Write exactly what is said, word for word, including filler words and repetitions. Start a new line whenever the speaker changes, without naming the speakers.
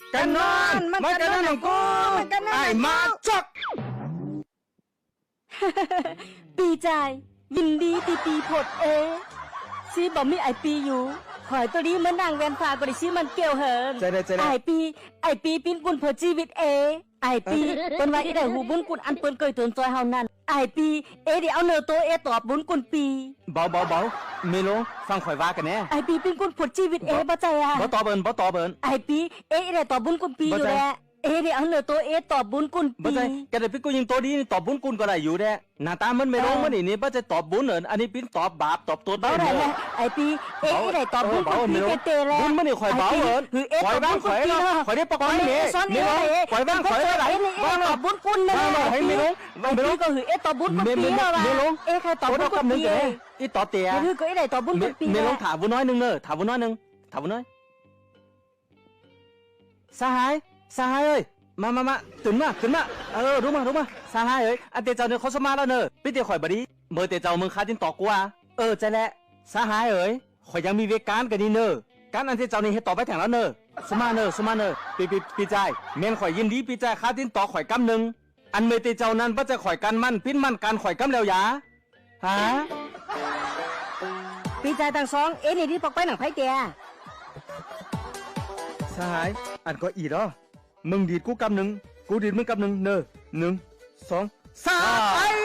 กันนอนมากันนอนของกูไอ้มาจอก
ปีใจยินดีตีปีผดเอซีบอกมีไอปีอยู่หอยตัวนี้มันนางแวนฟ้าก็ได้ชื่อมันเกี่ยวเหินไอปีไอปีปิ้นกุนเผอชีวิตเอไอปีเป็นว่าอีได้หูบุญกุนอันเปิ้นเกยตนจอยเฮานั่นไอปีเอเดี๋ยวเอาเนอโตเอตอบบุญกุนปี
เบาเบาเบาเมโลฟังข่อยว่ากันแน่
ไอปีปิ้นกุนผดชีวิตเอบ่ใจอ่ะ
บ่ตอบเบิ่นบ่ตอบเบิ่น
ไอปีเอได้ตอบบุญกุนปีอยู่แหละเอเดี๋ยวเอาเนอโตเอตอบบุญกุนปี
บ่ใจแกได้ปิ้นกูยิงตัวดีนี่ตอบบุญกุนก็ได้อยู่แท้หน้าตามันเมโลมันนี่นี่บ่จะตอบบุญเอิ้นอันนี้ปิ้นตอบบาปตอบตัวได้
แหละไอปีเอได้ตอบบุญกุนปีเตแล้ว
บุญมันนี่ข่อยเบาเอิ้นข่อยบ้างข่อยเนาะข่อยได้ปกป้องนี่เมโลข่อยบ้างข่อยได้
ว่าตอบบุญกุนนั่นแหละ
ให้เมโล
เมโลก็คือเอตอบบุญกุนปีแล้วว่ะเอใครตอบบุญกุนปี
อีตอบเตีย
คือก็ไอได้ตอบบุญกุนปี
เมโลถามบุญน้อยนึงเด้อถามบุญน้อยนึงถามบุญน้อยสหายสหายเอ้ยมามามาตื่นมาตื่นมาเออรู้มารู้มาสหายเอ้ยอันเตเจ้าเนี่ยเขาสมาแล้วเนอะพี่เตียข่อยบดีเมื่อเตเจ้ามึงคาจินตอกกูอ่ะเออใจแหละสหายเอ้ยข่อยยังมีเวการกันนี่เนอะการอันเตเจ้านี่ให้ต่อไปแถงแล้วเนอะสมาเนอะสมาเนอะปีปีปีใจเมนข่อยยินดีปีใจคาจินตอกข่อยกำหนึ่งอันเมื่อเตเจ้านั้นว่าจะข่อยกันมั่นปิ้นมั่นการข่อยกำแล้วยาฮะ
ปีใจต่างสองเอ็นี่ที่ปอกไปหนังไพ่เตีย
สหายอันก็อีดอ่ะมึงดีดกูกำหนึ่งกูดีดมึงกำหนึ่งเนอะหนึ่งสองสาม